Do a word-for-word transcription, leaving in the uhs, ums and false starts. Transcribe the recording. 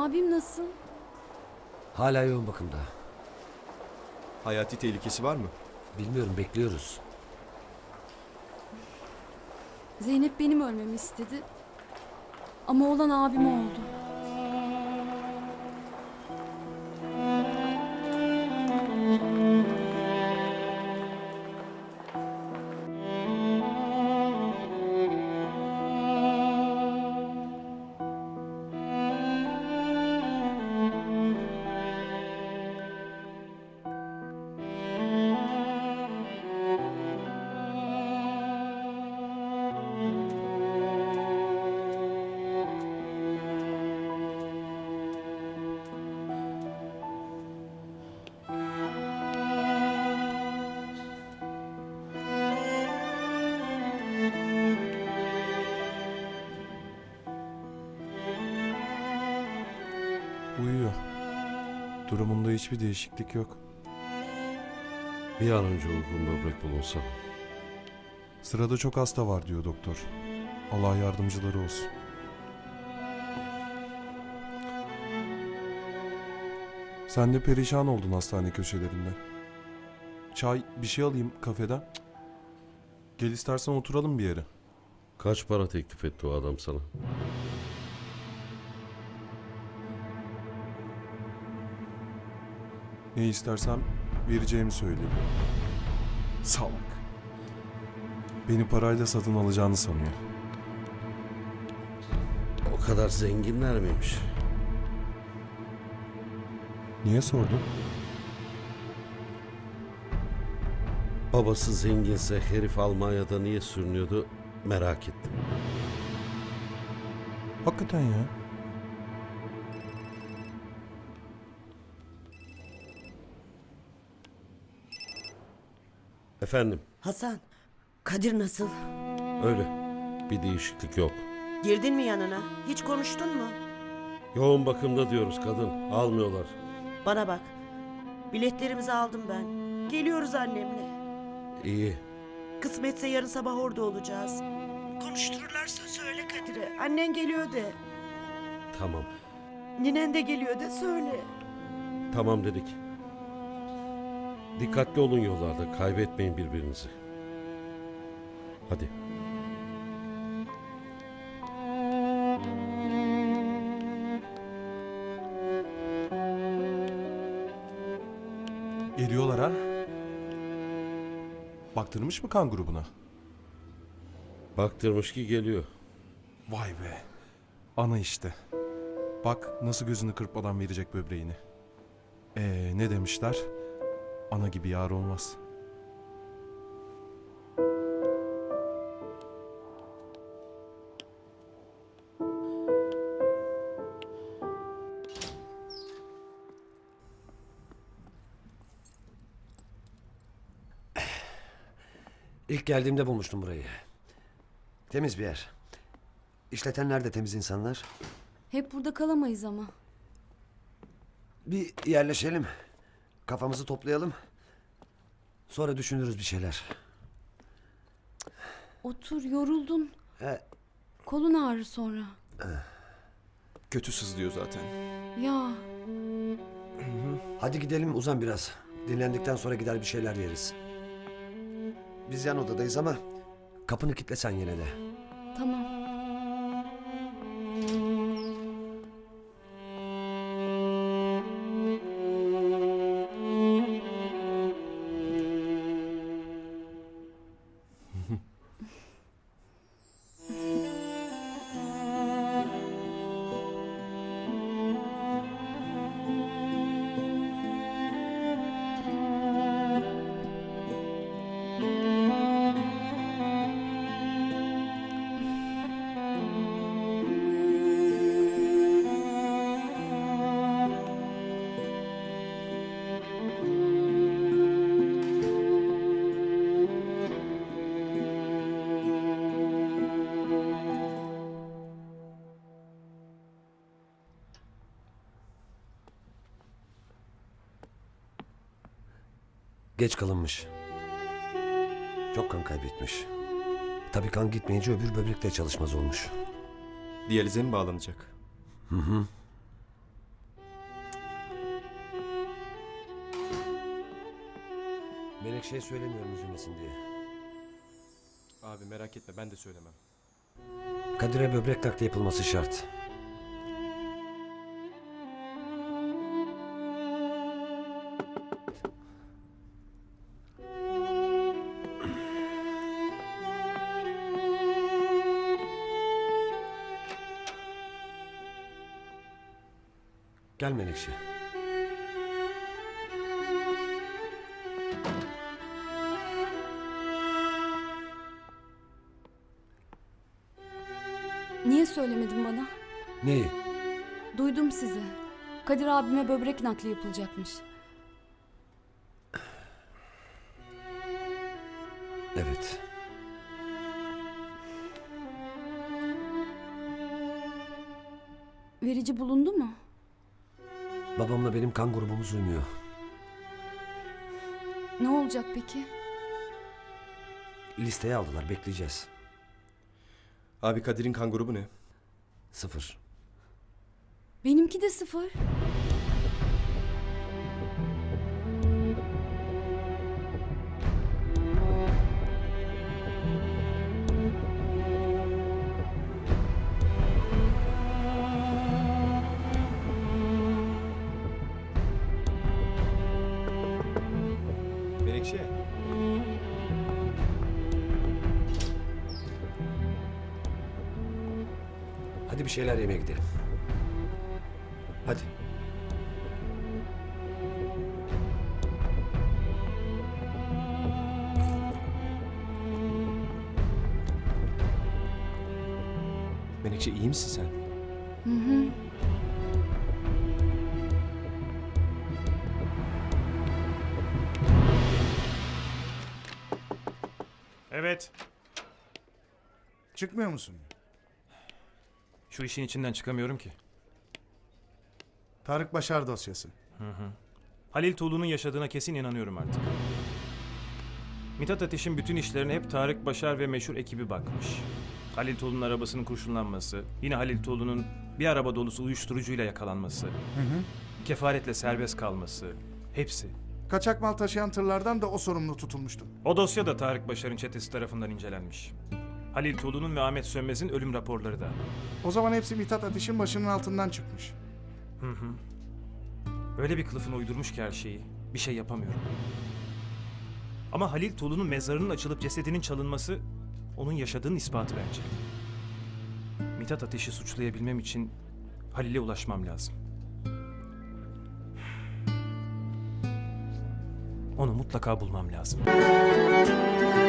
Abim nasıl? Hala yoğun bakımda. Hayati tehlikesi var mı? Bilmiyorum, bekliyoruz. Zeynep benim ölmemi istedi. Ama olan abim oldu. Uyuyor. Durumunda hiçbir değişiklik yok. Bir an önce uygun böbrek bulunsa. Sırada çok hasta var diyor doktor. Allah yardımcıları olsun. Sen de perişan oldun hastane köşelerinde. Çay, bir şey alayım kafeden. Cık. Gel istersen oturalım bir yere. Kaç para teklif etti o adam sana? Ne istersem vereceğimi söyledi. Salak. Beni parayla satın alacağını sanıyor. O kadar zenginler miymiş? Niye sordun? Babası zenginse herif Almanya'da niye sürünüyordu merak ettim. Hakikaten ya. Efendim, Hasan, Kadir nasıl? öyle. Bir değişiklik yok. Girdin mi yanına? Hiç konuştun mu? Yoğun bakımda diyoruz kadın. Almıyorlar. Bana bak. Biletlerimizi aldım ben. Geliyoruz annemle. İyi. Kısmetse yarın sabah orada olacağız. Konuştururlarsa söyle Kadir'e. Annen geliyor de. Tamam. Ninen de geliyor de söyle. Tamam dedik. Dikkatli olun yollarda. Kaybetmeyin birbirinizi. Hadi. Geliyorlar ha. Baktırmış mı kan grubuna? Baktırmış ki geliyor. Vay be. Ana işte. Bak nasıl gözünü kırpmadan verecek böbreğini. Ee, ne demişler? Ana gibi yar olmaz. İlk geldiğimde bulmuştum burayı. Temiz bir yer. İşletenler de temiz insanlar. Hep burada kalamayız ama. Bir yerleşelim. Kafamızı toplayalım. Sonra düşünürüz bir şeyler. Otur, yoruldun. He, Kolun ağrır sonra. Kötü sızlıyor zaten. Ya hadi gidelim, uzan biraz. Dinlendikten sonra gider bir şeyler yeriz. Biz yan odadayız ama kapını kilitlesen yine de. tamam. Geç kalınmış. Çok kan kaybetmiş. Tabii kan gitmeyince öbür böbrek de çalışmaz olmuş. Diyalize mi bağlanacak? Hı hı. Menekşe'ye söylemiyorum üzülmesin diye. Abi merak etme ben de söylemem. Kadir'e böbrek nakli yapılması şart. Gel Menekşe. Niye söylemedin bana? Neyi? Duydum sizi. Kadir abime böbrek nakli yapılacakmış. Evet. Verici bulundu mu? Babamla benim kan grubumuz uymuyor. Ne olacak peki? Listeye aldılar, bekleyeceğiz. Abi Kadir'in kan grubu ne? Sıfır. Benimki de sıfır. Menekşe. Hadi bir şeyler yemeye gidelim. Hadi. Menekşe iyi misin sen? Hı hı. Evet. Çıkmıyor musun? Şu işin içinden çıkamıyorum ki. Tarık Başar dosyası. Halil Tuğlu'nun yaşadığına kesin inanıyorum artık. Mithat Ateş'in bütün işlerine hep Tarık Başar ve meşhur ekibi bakmış. Halil Tuğlu'nun arabasının kurşunlanması, yine Halil Tuğlu'nun bir araba dolusu uyuşturucuyla yakalanması, kefaretle serbest kalması, hepsi. Kaçak mal taşıyan tırlardan da o sorumlu tutulmuştu. O dosya da Tarık Başar'ın çetesi tarafından incelenmiş. Halil Tuğlu'nun ve Ahmet Sönmez'in ölüm raporları da. O zaman hepsi Mithat Ateş'in başının altından çıkmış. Hı hı. Öyle bir kılıfına uydurmuş ki her şeyi. Bir şey yapamıyorum. Ama Halil Tuğlu'nun mezarının açılıp cesedinin çalınması onun yaşadığının ispatı bence. Mithat Ateş'i suçlayabilmem için Halil'e ulaşmam lazım. Onu mutlaka bulmam lazım.